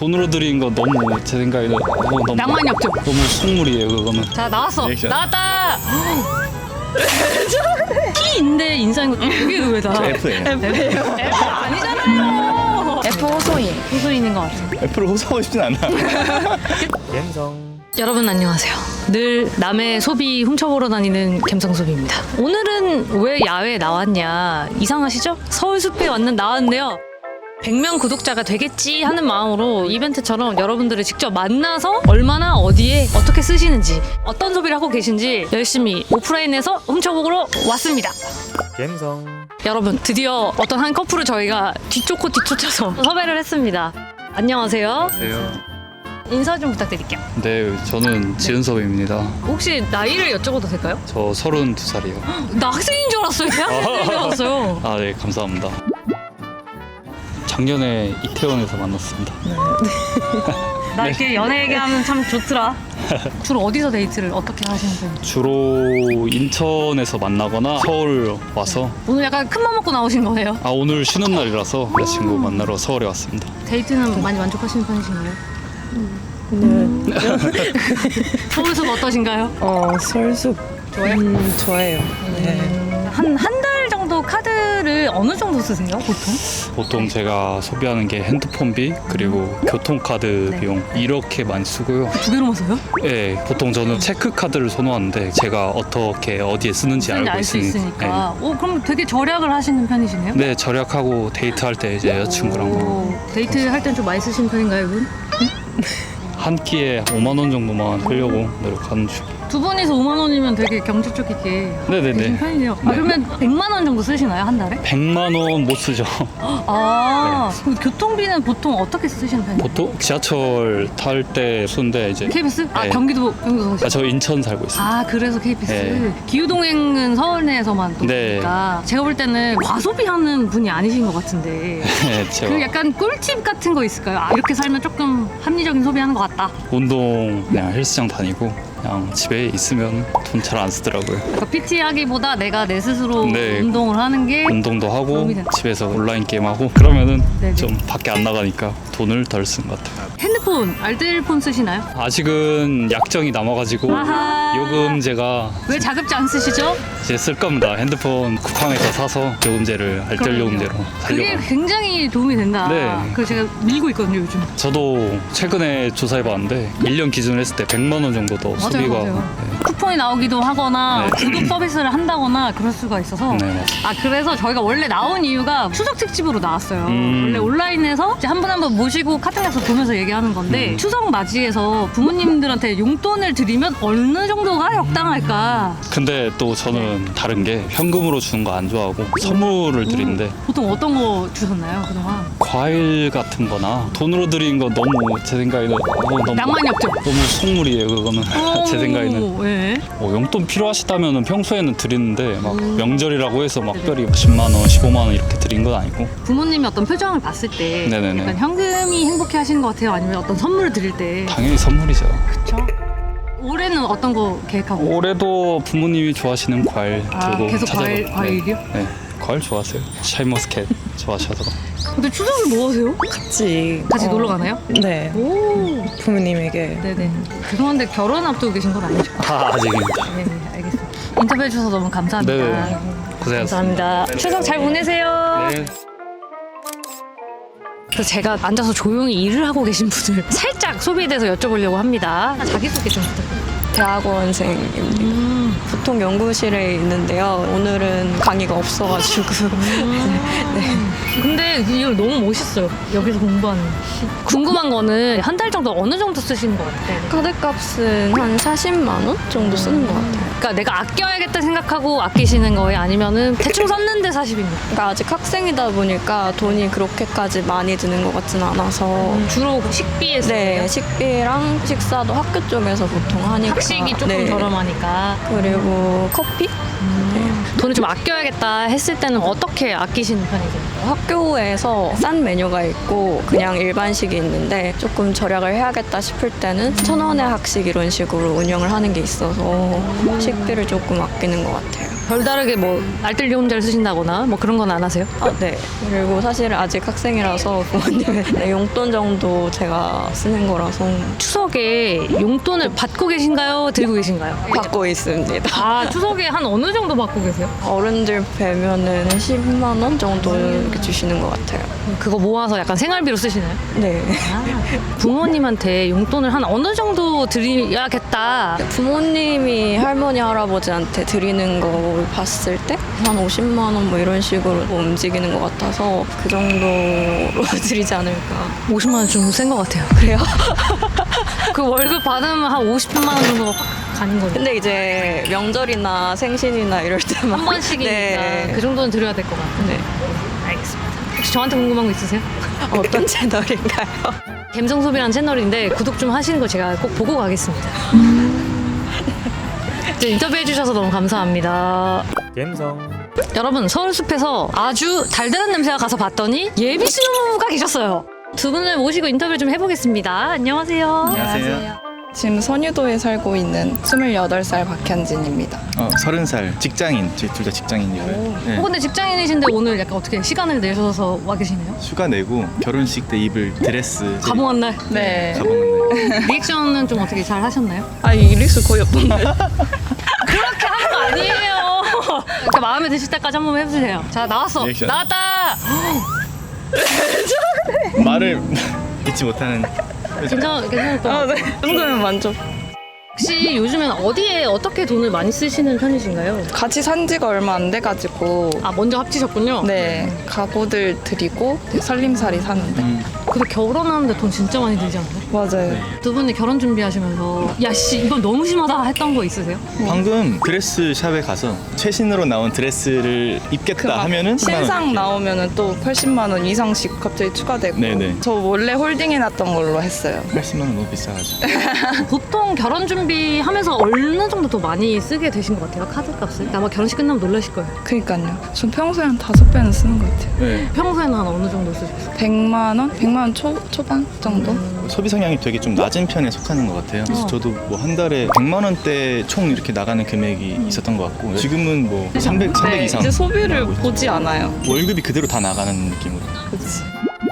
돈으로 드린 거 너무 제 생각에는 너무 낭만이 없죠? 너무 속물이에요 그거는. 자 나왔어. 리액션. 나왔다. T인데 인사인 거 이게 왜 다? F예요. F예요? F 아니잖아요. F 호소인. 호소인인 것 같아요. F를 호소하고 싶진 않아. 갬성. 여러분 안녕하세요. 늘 남의 소비 훔쳐보러 다니는 갬성소비입니다. 오늘은 왜 야외에 나왔냐 이상하시죠? 서울숲에 나왔는데요. 100명 구독자가 되겠지 하는 마음으로 이벤트처럼 여러분들을 직접 만나서 얼마나 어디에 어떻게 쓰시는지 어떤 소비를 하고 계신지 열심히 오프라인에서 훔쳐보러 왔습니다. 갬성. 여러분 드디어 어떤 한 커플을 저희가 뒤쫓고 뒤쫓아서 섭외를 했습니다. 안녕하세요. 안녕하세요. 인사 좀 부탁드릴게요. 네, 저는 지은섭입니다. 혹시 나이를 여쭤봐도 될까요? 저 32살이요. 나 학생인 줄 알았어요. 대학생인 줄 알았어요. 아, 네, 감사합니다. 작년에 이태원에서 만났습니다. 나 이렇게 연애 얘기하면 참 좋더라. 주로 어디서 데이트를 어떻게 하시는 편이에요? 주로 인천에서 만나거나 서울 와서 오늘 약간 큰맘 먹고 나오신 거예요? 오늘 쉬는 날이라서 여자친구 만나러 서울에 왔습니다. 데이트는 많이 만족하시는 편이신가요? 네. 서울숲 어떠신가요? 서울숲. 좋아요? 좋아해요. 네. 한 달 정도 카드를 어느 정도 쓰세요, 보통? 보통 제가 소비하는 게 핸드폰비 그리고 교통카드 네. 비용 이렇게 많이 쓰고요. 두 개로만 써요? 네, 보통 저는 체크카드를 선호하는데 제가 어떻게 어디에 쓰는지 알고 알 수 있으니까. 있으니까. 오, 그럼 되게 절약을 하시는 편이시네요? 네, 절약하고 데이트할 때 이제 여자친구랑 오, 데이트 할 땐 좀 많이 쓰시는 편인가요, 이분? 한 끼에 5만 원 정도만 하려고 노력하는 중. 두 분이서 5만 원이면 되게 경제적 있게 네네네. 되신 편이네요. 네. 그러면 100만 원 정도 쓰시나요, 한 달에? 100만 원 못 쓰죠. 그럼 교통비는 보통 어떻게 쓰시는 편이에요? 보통 지하철 탈 때 쓰는데 이제 KBS? 네. 경기도 사시죠? 저 인천 살고 있어요. 그래서 KBS. 네. 기후동행은 서울 내에서만 또 네. 보니까 제가 볼 때는 과소비하는 분이 아니신 것 같은데 네, 제가 그 약간 꿀팁 같은 거 있을까요? 이렇게 살면 조금 합리적인 소비하는 것 같다. 운동 그냥 헬스장 다니고 그냥 집에 있으면 돈 잘 안 쓰더라고요. 그러니까 PT 하기보다 내가 내 스스로 네. 운동을 하는 게 운동도 하고 도움이 된다. 집에서 온라인 게임 하고 그러면은 네네. 좀 밖에 안 나가니까 돈을 덜 쓴 것 같아요. 핸드폰, 알뜰폰 쓰시나요? 아직은 약정이 남아가지고 아하. 요금제가 왜 자급제 안 쓰시죠? 이제 쓸 겁니다. 핸드폰 쿠팡에서 사서 요금제를 알뜰 요금제로 그게 살려고. 굉장히 도움이 된다. 네. 그래서 제가 밀고 있거든요, 요즘. 저도 최근에 조사해봤는데 1년 기준으로 했을 때 100만 원 정도 더 소비가 맞아요. 쿠폰이 나오기도 하거나 네. 구독 서비스를 한다거나 그럴 수가 있어서 네, 맞아요. 그래서 저희가 원래 나온 이유가 추석 특집으로 나왔어요. 원래 온라인에서 한 분 한 분 모시고 카톡에서 보면서 얘기하는 건데 추석 맞이해서 부모님들한테 용돈을 드리면 어느 정도가 적당할까? 근데 또 저는 다른 게 현금으로 주는 거 안 좋아하고 선물을 드리는데 보통 어떤 거 주셨나요, 그동안? 과일 같은 거나 돈으로 드리는 거 너무 제 생각에는 너무 낭만이 없죠? 너무 속물이에요 그거는. 제 생각에는 네. 용돈 필요하시다면 평소에는 드리는데 막 명절이라고 해서 막 특별히 10만 원, 15만 원 이렇게 드린 건 아니고. 부모님이 어떤 표정을 봤을 때 네네네. 약간 현금이 행복해 하시는 것 같아요? 아니면 어떤 선물을 드릴 때? 당연히 선물이죠. 그렇죠. 올해는 어떤 거 계획하고? 올해도 부모님이 좋아하시는 과일 들고 계속 찾아가- 과일이요? 네, 과일 좋아하세요. 샤인머스켓 좋아하셔서. 근데 추석을 뭐 하세요? 같이 놀러 가나요? 네. 오. 부모님에게. 네네. 죄송한데 결혼 앞두고 계신 건 아니죠? 아직입니다. 네, 알겠습니다. 인터뷰해 주셔서 너무 감사합니다. 네, 고생하셨습니다. 감사합니다. 추석 잘 보내세요. 네. 그래서 제가 앉아서 조용히 일을 하고 계신 분을 살짝 소비에 대해서 여쭤보려고 합니다. 자기소개 좀 부탁드립니다. 대학원생입니다. 보통 연구실에 있는데요. 오늘은 강의가 없어가지고. 근데 이거 너무 멋있어요. 여기서 공부하는. 궁금한 거는 한 달 정도 어느 정도 쓰시는 것 같아요? 카드값은 한 40만 원 정도 쓰는 것 같아요. 그러니까 내가 아껴야겠다 생각하고 아끼시는 거예요? 아니면은 대충 썼는데 40입니까? 그러니까 아직 학생이다 보니까 돈이 그렇게까지 많이 드는 것 같지는 않아서. 주로 식비에 쓰세요? 네, 식비랑 식사도 학교 쪽에서 보통 하니까. 학식이 조금 네. 저렴하니까. 그리고 커피? 돈을 좀 아껴야겠다 했을 때는 어떻게 아끼시는 편이세요? 학교에서 싼 메뉴가 있고 그냥 일반식이 있는데 조금 절약을 해야겠다 싶을 때는 1,000원의 학식 이런 식으로 운영을 하는 게 있어서 식비를 조금 아끼는 것 같아요. 별다르게 뭐 알뜰리 혼자를 쓰신다거나 뭐 그런 건 안 하세요? 네. 그리고 사실 아직 학생이라서 부모님의 네, 용돈 정도 제가 쓰는 거라서 추석에 용돈을 받고 계신가요? 들고 계신가요? 받고 있습니다. 아, 추석에 한 어느 정도 받고 계세요? 어른들 뵈면은 10만 원 정도 이렇게 주시는 것 같아요. 그거 모아서 약간 생활비로 쓰시나요? 네. 부모님한테 용돈을 한 어느 정도 드려야겠다. 부모님이 할머니 할아버지한테 드리는 거 봤을 때 한 50만 원 뭐 이런 식으로 움직이는 것 같아서 그 정도로 드리지 않을까. 50만 원 좀 센 것 같아요. 그래요? 그 월급 받으면 한 50만 원 정도가 확 가는 거죠. 근데 이제 명절이나 생신이나 이럴 때만 한 번씩이니까 네. 그 정도는 드려야 될 것 같아요. 네. 알겠습니다. 혹시 저한테 궁금한 거 있으세요? 어떤 채널인가요? 갬성소비라는 채널인데 구독 좀 하시는 거 제가 꼭 보고 가겠습니다. 네, 인터뷰해 주셔서 너무 감사합니다. 갬성. 여러분, 서울숲에서 아주 달달한 냄새가 가서 봤더니 예비 신혼부부가 계셨어요. 두 분을 모시고 인터뷰 좀 해보겠습니다. 안녕하세요. 안녕하세요. 지금 선유도에 살고 있는 28살 박현진입니다. 30살 직장인, 저희 둘 다 직장인이고요. 네. 근데 직장인이신데 오늘 약간 어떻게 시간을 내셔서 와 계시네요? 휴가 내고 결혼식 때 입을 드레스 가봉한 날. 네. 가봉은 날. 리액션은 좀 어떻게 잘 하셨나요? 아, 이리수 거의 없던데. 그렇게 하는 거 아니에요. 그러니까 마음에 드실 때까지 한 번 해주세요. 자, 나왔어. 리액션. 나왔다. 말을 잊지 못하는. 괜찮을 것 같아요. 네. 이 정도면 만족. 혹시 요즘엔 어디에 어떻게 돈을 많이 쓰시는 편이신가요? 같이 산 지가 얼마 안 돼가지고 아, 먼저 합치셨군요. 네, 가구들 드리고 살림살이 사는데. 근데 결혼하는데 돈 진짜 많이 들지 않나요? 맞아요. 두 분이 결혼 준비하시면서 야씨 이건 너무 심하다 했던 거 있으세요? 방금 드레스 샵에 가서 최신으로 나온 드레스를 입겠다 하면은 10만 원 신상 이렇게. 나오면은 또 80만 원 이상씩 갑자기 추가되고. 네네. 저 원래 홀딩해놨던 걸로 했어요. 80만 원 너무 비싸가지고. 보통 결혼 준비하면서 어느 정도 더 많이 쓰게 되신 것 같아요? 카드값을? 아마 결혼식 끝나면 놀라실 거예요. 그니까요. 전 평소에 한 5배는 쓰는 것 같아요. 네. 평소에는 한 어느 정도 쓰셨어요? 100만 원? 100만 원 초반 정도? 소비 성향이 되게 좀 낮은 편에 속하는 것 같아요. 그래서 저도 뭐 한 달에 100만 원대 총 이렇게 나가는 금액이 있었던 것 같고 지금은 뭐 300 네, 이상 이제 소비를 나가고 있어요. 보지 않아요. 월급이 그대로 다 나가는 느낌으로. 그치.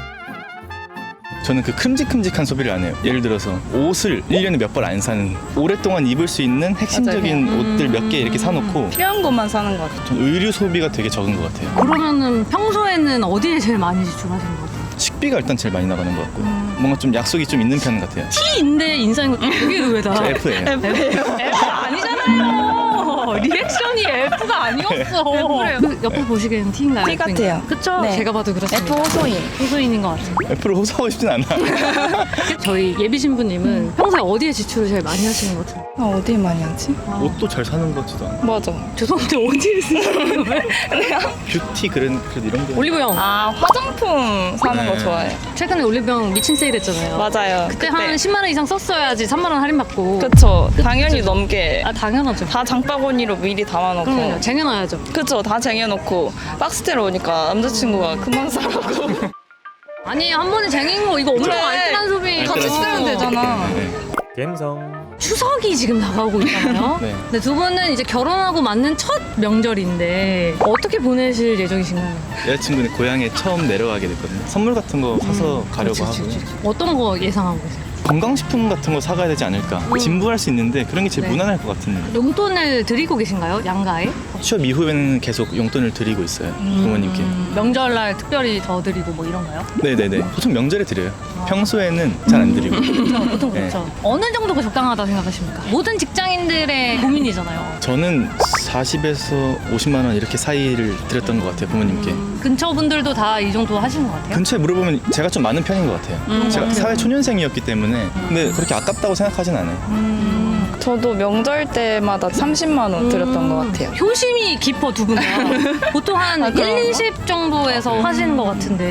저는 그 큼직큼직한 소비를 안 해요. 예를 들어서 옷을 1년에 몇 벌 안 사는 오랫동안 입을 수 있는 핵심적인 옷들 몇 개 이렇게 사놓고 필요한 것만 사는 것 같아요. 전 의류 소비가 되게 적은 것 같아요. 그러면은 평소에는 어디에 제일 많이 지출하시는 것 같아요? 식비가 일단 제일 많이 나가는 것 같고 뭔가 좀 약속이 좀 있는 편 같아요. T인데 인싸인 거 되게 의외다. 저 F예요. F 아니잖아요. 리액션이 F가 아니었어. 그 옆에서 보시기에는 T인가요? T 같아요. 그쵸? 네. 제가 봐도 그렇습니다. F 호소인. 호소인인 것 같아요. F를 호소하고 싶진 않아. 저희 예비 신부님은 평소에 어디에 지출을 제일 많이 하시는 것 같아요? 아, 어디에 많이 하지? 옷도 잘 사는 것 같지도 않아. 맞아. 죄송한데 어디에 쓰시는 거예요? 뷰티 그래도 이런 게 올리브영. 아, 화장품 사는 거 네. 좋아해요. 최근에 올리브영 미친 세일 했잖아요. 맞아요. 그때 한 10만 원 이상 썼어야지 3만 원 할인받고. 그쵸. 당연히 넘게. 아, 당연하죠. 다 장바구니로 미리 담아놓고. 그럼요. 쟁여놔야죠. 그쵸. 다 쟁여놓고. 박스테로 오니까 남자친구가 그만 사라고. 아니, 한 번에 쟁인 거 이거 엄청 그래. 알뜰한 소비. 같이 알뜰한 쓰면 소비. 되잖아. 네. 갬성. 추석이 지금 다가오고 있잖아요. 네. 근데 두 분은 이제 결혼하고 맞는 첫 명절인데 어떻게 보내실 예정이신가요? 여자친구는 고향에 처음 내려가게 됐거든요. 선물 같은 거 사서 가려고 하고요. 어떤 거 예상하고 계세요? 건강식품 같은 거 사가야 되지 않을까. 진부할 수 있는데 그런 게 제일 네. 무난할 것 같은 느낌. 용돈을 드리고 계신가요? 양가에? 취업 이후에는 계속 용돈을 드리고 있어요. 부모님께. 명절날 특별히 더 드리고 뭐 이런가요? 네네네. 보통 명절에 드려요. 평소에는 잘 안 드리고. 그렇죠. 보통 네. 그렇죠. 어느 정도가 적당하다 생각하십니까? 모든 직장인들의 고민이잖아요. 저는 40에서 50만 원 이렇게 사이를 드렸던 것 같아요. 부모님께. 근처 분들도 다 이 정도 하시는 것 같아요? 근처에 물어보면 제가 좀 많은 편인 것 같아요. 제가 사회 초년생이었기 때문에 근데 그렇게 아깝다고 생각하진 않아요. 저도 명절 때마다 30만 원 드렸던 것 같아요. 효심이 깊어 두 분 다. 보통 한 아, 1, 그런가? 20 정도에서 하시는 것 같은데.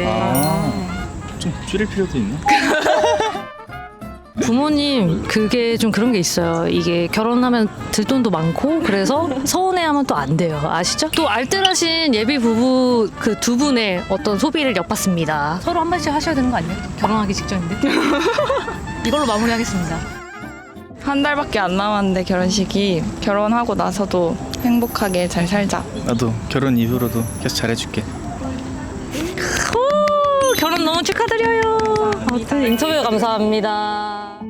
좀 줄일 필요도 있나? 부모님 그게 좀 그런 게 있어요. 이게 결혼하면 들 돈도 많고 그래서 서운해하면 또 안 돼요. 아시죠? 또 알뜰하신 예비 부부 그 두 분의 어떤 소비를 엿봤습니다. 서로 한 번씩 하셔야 되는 거 아니에요? 결혼하기 직전인데. 이걸로 마무리하겠습니다. 한 달밖에 안 남았는데 결혼식이 결혼하고 나서도 행복하게 잘 살자. 나도 결혼 이후로도 계속 잘해줄게. 오, 결혼 너무 축하드려요. 아무튼 인터뷰 감사합니다.